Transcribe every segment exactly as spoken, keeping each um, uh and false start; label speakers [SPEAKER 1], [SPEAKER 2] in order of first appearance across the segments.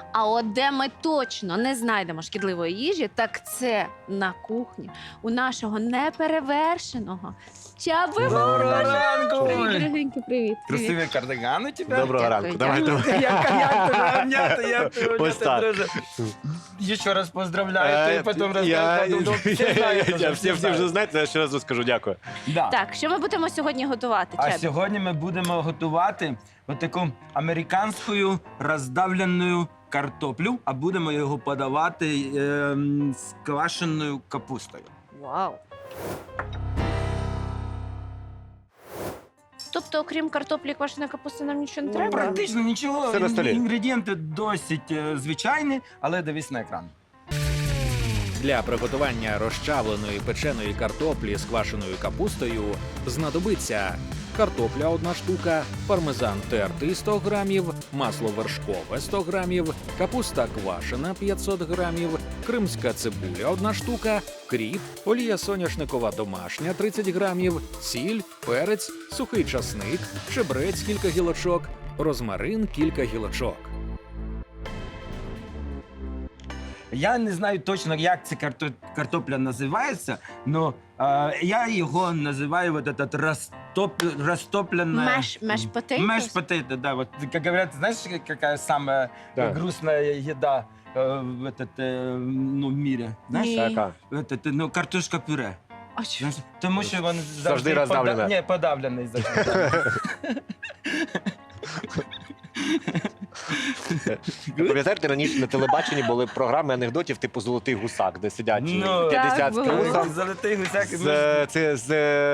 [SPEAKER 1] А от де ми точно не знайдемо шкідливої їжі, так це на кухні у нашого неперевершеного Чаби
[SPEAKER 2] Доброго
[SPEAKER 1] Мороза.
[SPEAKER 2] ранку!
[SPEAKER 1] Привіт, дорогенький, привіт. привіт.
[SPEAKER 2] Красивый кардиган у тебя.
[SPEAKER 3] Доброго
[SPEAKER 1] Дякую,
[SPEAKER 3] ранку.
[SPEAKER 1] дякую.
[SPEAKER 3] Давайте.
[SPEAKER 2] Як, як тебе обняти, як тебе
[SPEAKER 3] Ось
[SPEAKER 2] обняти,
[SPEAKER 3] так.
[SPEAKER 2] друже. Еще раз поздравляю,
[SPEAKER 3] Е,
[SPEAKER 2] ты потом
[SPEAKER 3] я-
[SPEAKER 2] расскажешь. Ну,
[SPEAKER 3] я-
[SPEAKER 2] все
[SPEAKER 3] я-
[SPEAKER 2] знают
[SPEAKER 3] я-
[SPEAKER 2] уже,
[SPEAKER 3] Всі
[SPEAKER 2] все
[SPEAKER 3] всі вже
[SPEAKER 2] знают.
[SPEAKER 3] знаєте, я ще раз розкажу. Дякую.
[SPEAKER 2] Да.
[SPEAKER 1] Так, що ми будемо сьогодні готувати,
[SPEAKER 2] А
[SPEAKER 1] Чабі?
[SPEAKER 2] сьогодні ми будемо готувати отаку американську роздавлену картоплю, а будемо його подавати ем, з квашеною капустою.
[SPEAKER 1] Вау. Тобто, окрім картоплі і квашеної капусти, нам нічого не треба?
[SPEAKER 2] Практично нічого.
[SPEAKER 3] Все на столі.
[SPEAKER 2] Інгредієнти досить е, звичайні, але дивись на екран.
[SPEAKER 4] Для приготування розчавленої печеної картоплі з квашеною капустою знадобиться картопля одна штука, пармезан тертий сто грамів, масло вершкове сто грамів, капуста квашена п'ятсот грамів, кримська цибуля одна штука, кріп, олія соняшникова домашня тридцять грамів, сіль, перець, сухий часник, чебрець кілька гілочок, розмарин кілька гілочок.
[SPEAKER 2] Я не знаю точно, як ця карто- картопля називається, але я його називаю вот этот растоп... растопленная...
[SPEAKER 1] Маш, маш potatoes?
[SPEAKER 2] Маш потейто, да. Вот, как говорят, знаешь, какая самая
[SPEAKER 3] Да.
[SPEAKER 2] грустная еда э, в, этот, э, ну, в мире? Знаешь?
[SPEAKER 1] Ні.
[SPEAKER 3] Така.
[SPEAKER 2] Этот, ну, картошка пюре.
[SPEAKER 1] А що?
[SPEAKER 2] Знаєш, тому що він завжди,
[SPEAKER 3] роздавлена.
[SPEAKER 2] пода- Ні, подавлений завжди.
[SPEAKER 3] Пам'ятаєте, раніше на телебаченні були програми анекдотів типу «Золотий гусак», де сидять
[SPEAKER 2] Ну,
[SPEAKER 3] п'ятдесят
[SPEAKER 1] так,
[SPEAKER 3] з
[SPEAKER 1] було.
[SPEAKER 3] трусом,
[SPEAKER 2] Золотий гусяк.
[SPEAKER 3] з, це, з,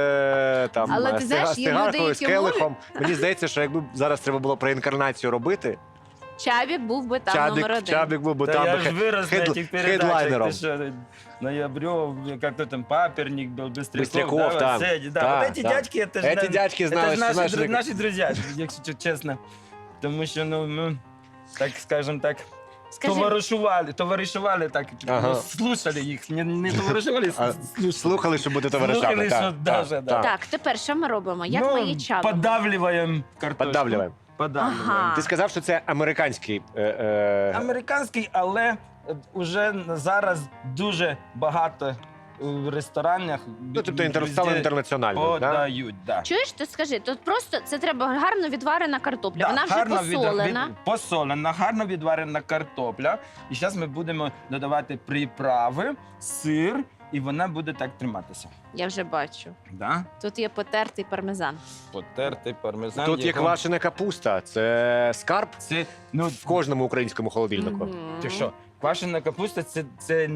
[SPEAKER 3] е, там,
[SPEAKER 1] Але ти
[SPEAKER 3] з
[SPEAKER 1] знаєш,
[SPEAKER 3] цига-
[SPEAKER 1] є люди,
[SPEAKER 3] цигаркою, з
[SPEAKER 1] які
[SPEAKER 3] келихом. Мені здається, що якби зараз треба було про інкарнацію робити,
[SPEAKER 1] Чабік був би там номер
[SPEAKER 3] Чабік,
[SPEAKER 1] один.
[SPEAKER 3] Чабік був би
[SPEAKER 2] Да
[SPEAKER 3] там
[SPEAKER 2] я
[SPEAKER 3] би
[SPEAKER 2] ж вырос на
[SPEAKER 3] хед-
[SPEAKER 2] этих передачах.
[SPEAKER 3] хедлайнером.
[SPEAKER 2] Ты что, Ноябрев, как-то там Паперник был, Быстряков.
[SPEAKER 3] Быстряков,
[SPEAKER 2] да,
[SPEAKER 3] да.
[SPEAKER 2] вот эти, да.
[SPEAKER 3] Да,
[SPEAKER 2] вот эти
[SPEAKER 3] да.
[SPEAKER 2] дядьки, это же
[SPEAKER 3] Эти дядьки знали,
[SPEAKER 2] это ж
[SPEAKER 3] что
[SPEAKER 2] наши,
[SPEAKER 3] наши
[SPEAKER 2] дру-
[SPEAKER 3] так-
[SPEAKER 2] наши друзья, якщо чесно. Тому що, ну, ну, так скажем так,
[SPEAKER 1] Скажи,
[SPEAKER 2] товаришували, товаришували так,
[SPEAKER 3] Ага.
[SPEAKER 2] ну, слушали їх, не, не товаришували,
[SPEAKER 3] А,
[SPEAKER 2] слушали.
[SPEAKER 3] Слухали, що буде товаришами.
[SPEAKER 2] Слухали,
[SPEAKER 3] так,
[SPEAKER 2] що
[SPEAKER 3] так,
[SPEAKER 2] даже, да.
[SPEAKER 3] так.
[SPEAKER 1] так, тепер що ми робимо? Як
[SPEAKER 2] ну,
[SPEAKER 1] ми її чабимо?
[SPEAKER 2] Подавлюємо картошку.
[SPEAKER 3] Подавлюємо.
[SPEAKER 2] Подавлюємо.
[SPEAKER 1] Ага.
[SPEAKER 3] Ти сказав, що це американський. Е, е,
[SPEAKER 2] Американський, але вже зараз дуже багато в ресторанах
[SPEAKER 3] ну, тобто інтер, стало
[SPEAKER 2] везде
[SPEAKER 3] інтернаціональним. Да?
[SPEAKER 2] подають. Да.
[SPEAKER 1] Чуєш, ти скажи, тут просто це треба гарно відварена картопля.
[SPEAKER 2] Да,
[SPEAKER 1] Вона вже
[SPEAKER 2] гарно від-
[SPEAKER 1] посолена.
[SPEAKER 2] від- посолена, гарно відварена картопля. І зараз ми будемо додавати приправи, сир, і вона буде так триматися.
[SPEAKER 1] Я вже бачу.
[SPEAKER 2] Да?
[SPEAKER 1] Тут є потертий пармезан.
[SPEAKER 2] Потертий пармезан.
[SPEAKER 3] Тут є
[SPEAKER 2] його-
[SPEAKER 3] квашена капуста. Це скарб
[SPEAKER 2] Це, ну,
[SPEAKER 3] в кожному українському холодильнику.
[SPEAKER 1] Мгм.
[SPEAKER 2] ти що, квашена капуста це, це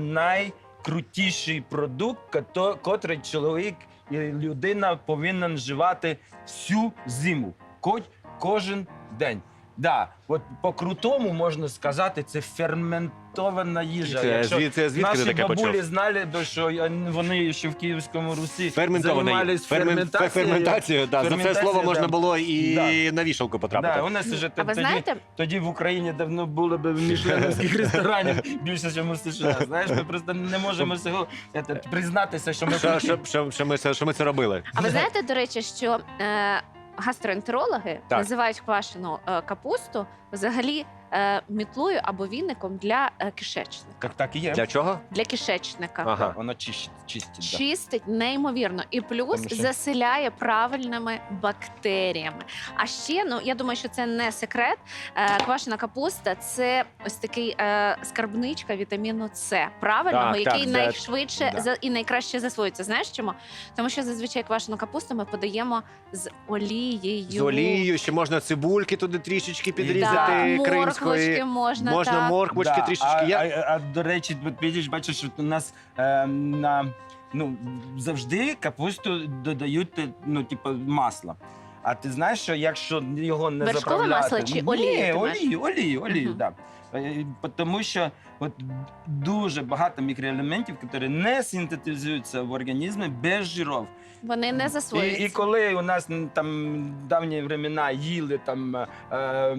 [SPEAKER 2] найкрутіший продукт, кото- котрий чоловік і людина повинен вживати всю зиму, ко- кожен день. Да, от по-крутому можна сказати, це ферментована їжа.
[SPEAKER 3] Це
[SPEAKER 2] Якщо
[SPEAKER 3] звідси звідки ти
[SPEAKER 2] наші
[SPEAKER 3] таке
[SPEAKER 2] бабулі
[SPEAKER 3] почув?
[SPEAKER 2] знали, бо що я- вони ще в Київському Русі
[SPEAKER 3] Ферментована
[SPEAKER 2] займались
[SPEAKER 3] їжа. Фермен-
[SPEAKER 2] ферментацією.
[SPEAKER 3] Ферментацію, да. За це
[SPEAKER 2] Ферментація,
[SPEAKER 3] слово можна
[SPEAKER 2] да.
[SPEAKER 3] було і
[SPEAKER 2] Да.
[SPEAKER 3] на вішалку потрапити.
[SPEAKER 2] Да, у нас вже
[SPEAKER 1] А ви
[SPEAKER 2] тоді,
[SPEAKER 1] знаєте,
[SPEAKER 2] тоді в Україні давно було б мішленівських ресторанів більше, ніж у США. Знаєш, ми просто не можемо цього це, признатися, що ми
[SPEAKER 3] Що, що, що, що, ми, це- що ми це робили?
[SPEAKER 1] а ви знаєте, до речі, що е, гастроентерологи
[SPEAKER 3] Так.
[SPEAKER 1] називають квашену е, капусту взагалі е, мітлою або віником для е, кишечника.
[SPEAKER 2] Так, так і є.
[SPEAKER 3] Для чого?
[SPEAKER 1] Для кишечника.
[SPEAKER 3] Ага.
[SPEAKER 2] Воно чистить. чистить да.
[SPEAKER 1] Чистить неймовірно і плюс
[SPEAKER 2] Тому що-
[SPEAKER 1] заселяє правильними бактеріями. А ще, ну я думаю, що це не секрет. Е, квашена капуста це ось такий е, скарбничка вітаміну С, правильного,
[SPEAKER 3] Так,
[SPEAKER 1] який
[SPEAKER 3] так,
[SPEAKER 1] найшвидше
[SPEAKER 2] да.
[SPEAKER 1] за, і найкраще засвоюється. Знаєш чому? Тому що зазвичай квашену капусту ми подаємо з олією.
[SPEAKER 3] З олією, ще можна цибульки туди трішечки
[SPEAKER 1] Так,
[SPEAKER 3] підрізати,
[SPEAKER 1] морквочки
[SPEAKER 3] кримської.
[SPEAKER 1] можна,
[SPEAKER 3] Можна
[SPEAKER 1] так.
[SPEAKER 3] морквочки
[SPEAKER 2] Да,
[SPEAKER 3] трішечки.
[SPEAKER 2] А,
[SPEAKER 3] Я...
[SPEAKER 2] а, а, до речі, от бачиш, бачиш, що у нас е, на, ну, завжди капусту додають ну, типу, масло. А ти знаєш, що якщо його не
[SPEAKER 1] Вершкове
[SPEAKER 2] заправляти...
[SPEAKER 1] масло чи
[SPEAKER 2] Ні,
[SPEAKER 1] олію ти маєш?
[SPEAKER 2] олію, олію, олію,
[SPEAKER 1] Мгм.
[SPEAKER 2] да. Е, Тому що от, дуже багато мікроелементів, які не синтетизуються в організмі без жирів.
[SPEAKER 1] Вони не
[SPEAKER 2] І,
[SPEAKER 1] засвоюються.
[SPEAKER 2] і коли у нас м, там давні времена їли там е,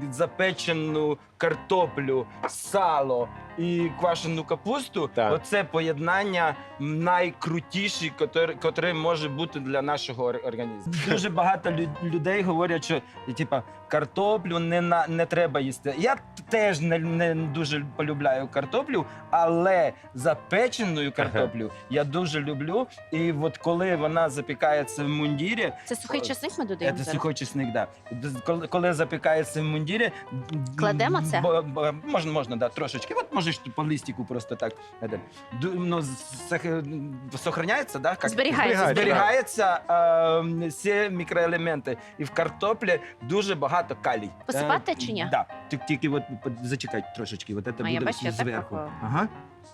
[SPEAKER 2] запечену картоплю, сало і квашену капусту,
[SPEAKER 3] Так.
[SPEAKER 2] оце поєднання найкрутіше, котре, котре може бути для нашого ор- організму. Дуже багато лю- людей говорять, що типа картоплю не, на, не треба їсти. Я теж не, не дуже полюбляю картоплю, але запечену картоплю я дуже люблю. І от коли вона запікається в мундірі,
[SPEAKER 1] Це сухий часник ми додаємо
[SPEAKER 2] це
[SPEAKER 1] зараз?
[SPEAKER 2] сухий чесник, да. Коли, коли запікається в мундірі,
[SPEAKER 1] Кладемо це?
[SPEAKER 2] бо- бо- можна, можна, да, трошечки. От можеш по листику просто так. это, ду- Ну, сох- сохраняється, да? Как?
[SPEAKER 1] Зберігається.
[SPEAKER 2] Зберігається е, всі мікроелементи. І в картоплі дуже багато калій.
[SPEAKER 1] Посипати
[SPEAKER 2] Е,
[SPEAKER 1] чи ні?
[SPEAKER 2] Да. Ти- Тільки от, от зачекай трошечки. От це
[SPEAKER 1] А, я
[SPEAKER 2] буде
[SPEAKER 1] бачу, я так
[SPEAKER 2] зверху.
[SPEAKER 1] пробую.
[SPEAKER 2] Ага.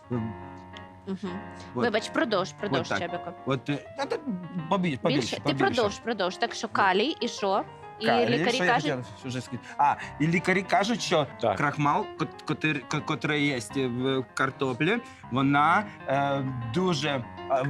[SPEAKER 1] Угу.
[SPEAKER 2] От.
[SPEAKER 1] Вибач, продовж, продовж,
[SPEAKER 2] так.
[SPEAKER 1] Чебіко.
[SPEAKER 2] От, е, та- та побільше, побільше,
[SPEAKER 1] Більше? Ти
[SPEAKER 2] побільше.
[SPEAKER 1] продовж, продовж. Так що калій і що? І
[SPEAKER 2] Калій,
[SPEAKER 1] лікарі
[SPEAKER 2] що я
[SPEAKER 1] кажуть,
[SPEAKER 2] хотів вже сказати? А, і лікарі кажуть, що
[SPEAKER 3] Так.
[SPEAKER 2] крахмал, кот- котир- ко- котрий є в картоплі, вона е, дуже е,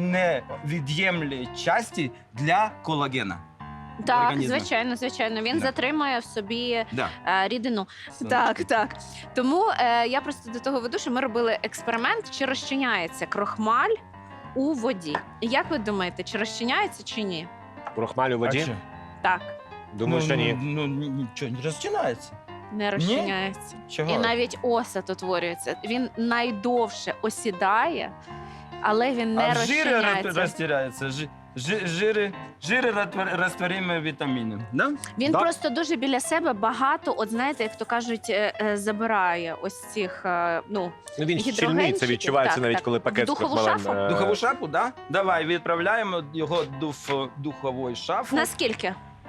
[SPEAKER 2] невід'ємлі часті для колагена.
[SPEAKER 1] так,
[SPEAKER 2] організму.
[SPEAKER 1] звичайно, звичайно. Він
[SPEAKER 2] Да.
[SPEAKER 1] затримує в собі
[SPEAKER 2] Да.
[SPEAKER 1] е, рідину. Так, так. Тому е, я просто до того веду, що ми робили експеримент, чи розчиняється крохмаль у воді. Як ви думаєте, чи розчиняється, чи ні?
[SPEAKER 3] Крохмаль у
[SPEAKER 2] А
[SPEAKER 3] воді?
[SPEAKER 2] що?
[SPEAKER 1] Так,
[SPEAKER 3] Думаю,
[SPEAKER 2] ну,
[SPEAKER 3] що ні.
[SPEAKER 2] Ну, ну, нічого, не розчинається.
[SPEAKER 1] не розчиняється.
[SPEAKER 2] Чого?
[SPEAKER 1] І навіть осад утворюється. Він найдовше осідає, але він не
[SPEAKER 2] а жири
[SPEAKER 1] розчиняється.
[SPEAKER 2] розтираються. Жи- жи- Жири, жири розтвор- розтворимі вітаміни. Да?
[SPEAKER 1] Він
[SPEAKER 3] Да.
[SPEAKER 1] просто дуже біля себе багато, от знаєте, як то кажуть, е, е, забирає ось цих, е, ну,
[SPEAKER 3] Ну, він
[SPEAKER 1] гідрогенчики.
[SPEAKER 3] щільний, це відчувається
[SPEAKER 1] Так,
[SPEAKER 3] навіть,
[SPEAKER 1] так.
[SPEAKER 3] коли
[SPEAKER 1] В
[SPEAKER 3] пакет з
[SPEAKER 1] духову
[SPEAKER 3] крохмалем.
[SPEAKER 1] шафу?
[SPEAKER 3] е,
[SPEAKER 2] Духову шафу, да? Давай, відправляємо його до ф- духової шафи.
[SPEAKER 1] наскільки?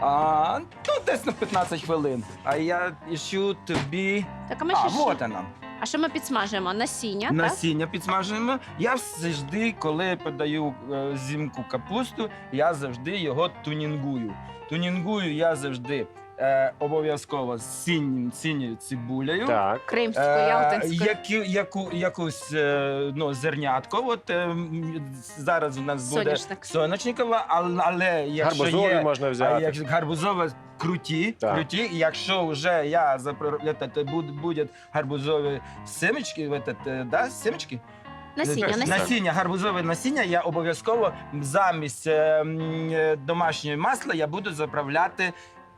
[SPEAKER 2] А, ну, десь на п'ятнадцять хвилин. А я іщу тобі.
[SPEAKER 1] Так, а ми
[SPEAKER 2] А,
[SPEAKER 1] ще що?
[SPEAKER 2] вот вона.
[SPEAKER 1] А що ми підсмажуємо? Насіння, так?
[SPEAKER 2] Насіння підсмажуємо. Я завжди, коли подаю е, зимку капусту, я завжди його тунінгую. Тунінгую я завжди е, обов'язково з синім, синьою цибулею.
[SPEAKER 3] Так.
[SPEAKER 1] Кримською,
[SPEAKER 2] Е,
[SPEAKER 1] ялтинською.
[SPEAKER 2] які, яку, якусь е, ну, зернятко. От, е, м, зараз у нас буде
[SPEAKER 1] Соняшник.
[SPEAKER 2] соняшникова, але, але якщо
[SPEAKER 3] Гарбузові
[SPEAKER 2] є
[SPEAKER 3] можна
[SPEAKER 2] а
[SPEAKER 3] взяти.
[SPEAKER 2] якщо гарбузове круті,
[SPEAKER 3] Так.
[SPEAKER 2] круті. І якщо вже я запро- это, буде, буде гарбузові семечки, вот это, да, семечки?
[SPEAKER 1] Насіння,
[SPEAKER 2] Насіння.
[SPEAKER 1] насіння.
[SPEAKER 2] насіння, гарбузове насіння, я обов'язково замість е, м, е, домашнього масла я буду заправляти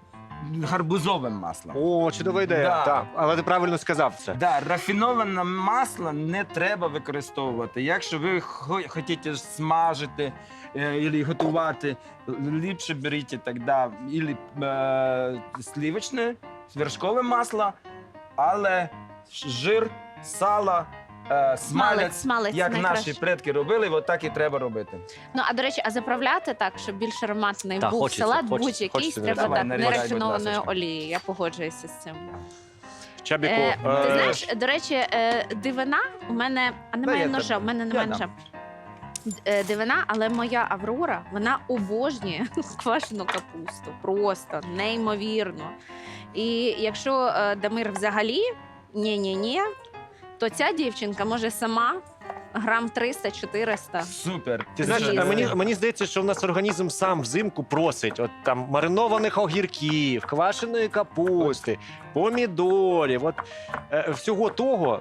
[SPEAKER 2] гарбузовим маслом.
[SPEAKER 3] О, чудова ідея.
[SPEAKER 2] Да.
[SPEAKER 3] Так. Але ти правильно сказав це.
[SPEAKER 2] Да, рафіноване масло не треба використовувати. Якщо ви хо- хочете смажити е, або готувати, ліпше беріть тоді або е, сливочне, вершкове масло, але жир, сало, е,
[SPEAKER 1] Смалець,
[SPEAKER 2] смалець,
[SPEAKER 1] смалець
[SPEAKER 2] як
[SPEAKER 1] найкраще.
[SPEAKER 2] наші предки робили, от так і треба робити.
[SPEAKER 1] Ну, а до речі, а заправляти так, щоб більш ароматний
[SPEAKER 3] Так,
[SPEAKER 1] був
[SPEAKER 3] хочеться,
[SPEAKER 1] салат,
[SPEAKER 3] хочеться,
[SPEAKER 1] будь-який,
[SPEAKER 3] хочеться,
[SPEAKER 1] треба
[SPEAKER 2] давай,
[SPEAKER 1] так,
[SPEAKER 2] нарізай, будь
[SPEAKER 1] нерафінованою
[SPEAKER 2] ласочка.
[SPEAKER 1] олією. Я погоджуюся з цим.
[SPEAKER 3] Чабіку,
[SPEAKER 1] Е, ти
[SPEAKER 3] е,
[SPEAKER 1] знаєш, до речі, е, дивина у мене, а немає
[SPEAKER 2] я
[SPEAKER 1] ножа,
[SPEAKER 2] тебе.
[SPEAKER 1] у мене
[SPEAKER 2] Я
[SPEAKER 1] немає
[SPEAKER 2] дам.
[SPEAKER 1] ножа. Е, Дивина, але моя Аврора, вона обожнює квашену капусту. Просто неймовірно. І якщо е, Дамир взагалі ні-ні-ні, то ця дівчинка може сама грам триста-чотириста.
[SPEAKER 2] Супер.
[SPEAKER 3] Ти знаєш,
[SPEAKER 1] З'їсти.
[SPEAKER 3] а мені, мені здається, що в нас організм сам взимку просить от там маринованих огірків, квашеної капусти, помідорів, от е, всього того.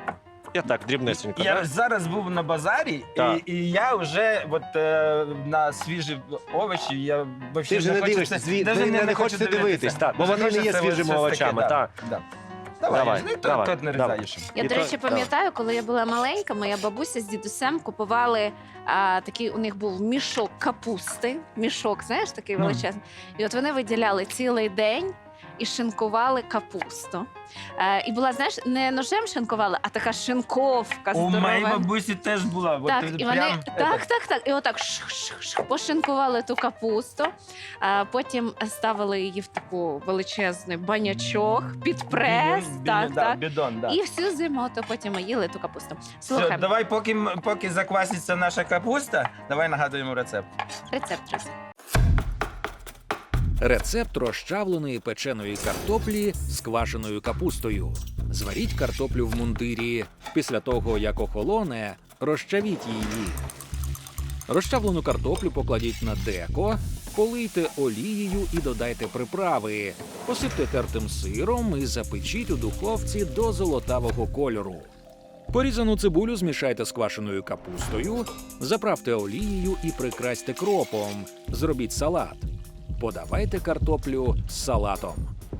[SPEAKER 3] Я так, дрібнесенько.
[SPEAKER 2] Я
[SPEAKER 3] да?
[SPEAKER 2] зараз був на базарі,
[SPEAKER 3] Так.
[SPEAKER 2] і, і я вже от, е, на свіжі овочі, я вообще
[SPEAKER 3] Ти вже не
[SPEAKER 2] хочеться-
[SPEAKER 3] дивишся, зві...
[SPEAKER 2] даже
[SPEAKER 3] ви не, не
[SPEAKER 2] хочу
[SPEAKER 3] хочете дивитись, так, бо
[SPEAKER 2] Вже
[SPEAKER 3] вони не є
[SPEAKER 2] хочеться от
[SPEAKER 3] свіжими
[SPEAKER 2] щось таке,
[SPEAKER 3] овочами.
[SPEAKER 2] да,
[SPEAKER 3] Так.
[SPEAKER 2] да. Давай,
[SPEAKER 3] Давай,
[SPEAKER 2] ну,
[SPEAKER 3] давай,
[SPEAKER 2] тут, тут не
[SPEAKER 3] давай.
[SPEAKER 2] різаєш.
[SPEAKER 1] Я,
[SPEAKER 3] І
[SPEAKER 1] до
[SPEAKER 3] то-
[SPEAKER 1] речі, пам'ятаю, коли я була маленька, моя бабуся з дідусем купували а, такий, у них був мішок капусти. Мішок, знаєш, такий
[SPEAKER 2] Ну.
[SPEAKER 1] величезний. І от вони виділяли цілий день і шинкували капусту. Е, і була, знаєш, не ножем шинкували, а така шинковка
[SPEAKER 2] У моєї
[SPEAKER 1] здорова.
[SPEAKER 2] бабусі теж була. От,
[SPEAKER 1] Так,
[SPEAKER 2] е,
[SPEAKER 1] і вони
[SPEAKER 2] прям,
[SPEAKER 1] так,
[SPEAKER 2] это,
[SPEAKER 1] так, так. І отак шх-шх-шх, пошинкували ту капусту, а потім ставили її в таку величезний банячок під прес.
[SPEAKER 2] бідон,
[SPEAKER 1] так,
[SPEAKER 2] бідон, да,
[SPEAKER 1] так.
[SPEAKER 2] бідон, да.
[SPEAKER 1] І всю зиму то потім ми їли ту капусту.
[SPEAKER 2] Все,
[SPEAKER 1] Слухай,
[SPEAKER 2] давай, поки, м- поки закваситься наша капуста, давай нагадуємо рецепт.
[SPEAKER 1] рецепт, друзі.
[SPEAKER 4] Рецепт розчавленої печеної картоплі з квашеною капустою. Зваріть картоплю в мундирі. Після того, як охолоне, розчавіть її. Розчавлену картоплю покладіть на деко, полийте олією і додайте приправи. Посипте тертим сиром і запечіть у духовці до золотавого кольору. Порізану цибулю змішайте з квашеною капустою, заправте олією і прикрасьте кропом. Зробіть салат. Подавайте картоплю з салатом.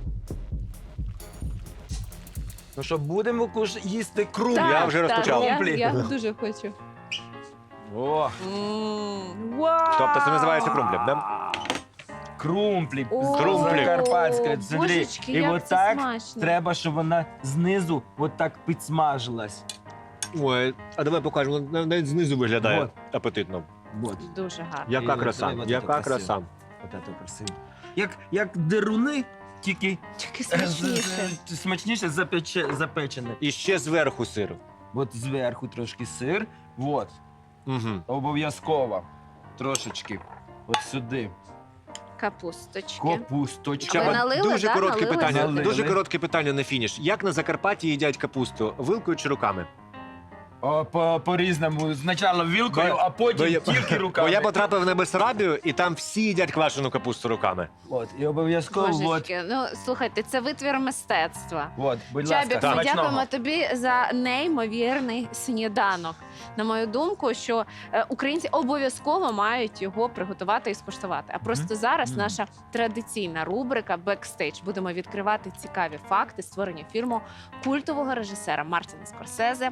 [SPEAKER 2] Ну що, будемо куш- їсти крумплі?
[SPEAKER 1] Так,
[SPEAKER 3] я вже
[SPEAKER 1] так,
[SPEAKER 3] розпочав.
[SPEAKER 1] Я,
[SPEAKER 2] Крумплі.
[SPEAKER 1] я дуже хочу.
[SPEAKER 2] О,
[SPEAKER 1] М, Вау!
[SPEAKER 3] Тобто це називається крумплем, да?
[SPEAKER 2] крумплі.
[SPEAKER 1] О,
[SPEAKER 3] Крумплі.
[SPEAKER 2] Закарпатська. Смотри.
[SPEAKER 1] Божечки,
[SPEAKER 2] І
[SPEAKER 1] як
[SPEAKER 2] от
[SPEAKER 1] це
[SPEAKER 2] так
[SPEAKER 1] смачно.
[SPEAKER 2] треба, щоб вона знизу от так підсмажилась.
[SPEAKER 3] Ой, а давай покажемо, вона навіть знизу виглядає
[SPEAKER 2] Вот.
[SPEAKER 3] апетитно.
[SPEAKER 2] Вот.
[SPEAKER 1] Дуже гарно.
[SPEAKER 3] Яка
[SPEAKER 2] І
[SPEAKER 3] краса,
[SPEAKER 2] от- от
[SPEAKER 3] яка
[SPEAKER 2] це
[SPEAKER 3] краса.
[SPEAKER 2] От це красиво. Як, як деруни, тільки
[SPEAKER 1] Тільки
[SPEAKER 2] е, з-
[SPEAKER 1] смачніше.
[SPEAKER 2] з- смачніше запече, запечене.
[SPEAKER 3] І ще зверху сир.
[SPEAKER 2] От зверху трошки сир. От.
[SPEAKER 3] Угу.
[SPEAKER 2] Обов'язково. Трошечки. От сюди.
[SPEAKER 1] Капусточки.
[SPEAKER 2] Капусточка.
[SPEAKER 1] Ви налили,
[SPEAKER 3] дуже
[SPEAKER 1] да?
[SPEAKER 3] коротке
[SPEAKER 1] Налили
[SPEAKER 3] питання.
[SPEAKER 2] сюди?
[SPEAKER 3] Дуже
[SPEAKER 2] Налили.
[SPEAKER 3] коротке питання на фініш. Як на Закарпатті їдять капусту? Вилкою чи руками?
[SPEAKER 2] О, по, по-різному. Спочатку вілкою,
[SPEAKER 3] Бо-
[SPEAKER 2] а потім
[SPEAKER 3] бо я-
[SPEAKER 2] тільки руками.
[SPEAKER 3] Бо я потрапив на Бессарабію, і там всі їдять квашену капусту руками.
[SPEAKER 2] От, і обов'язково, от,
[SPEAKER 1] Божечки, ну слухайте, це витвір мистецтва.
[SPEAKER 2] от, будь
[SPEAKER 1] Чабік,
[SPEAKER 2] ласка,
[SPEAKER 1] ми
[SPEAKER 2] смачного.
[SPEAKER 1] дякуємо тобі за неймовірний сніданок. На мою думку, що е, українці обов'язково мають його приготувати і скуштувати. А просто зараз
[SPEAKER 2] Мгм.
[SPEAKER 1] наша традиційна рубрика «Бекстейдж». Будемо відкривати цікаві факти створення фільму культового режисера Мартіна Скорсезе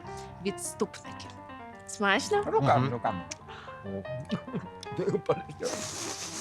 [SPEAKER 1] «Відступники». Смачно?
[SPEAKER 2] Руками,
[SPEAKER 3] Мгм.
[SPEAKER 2] руками.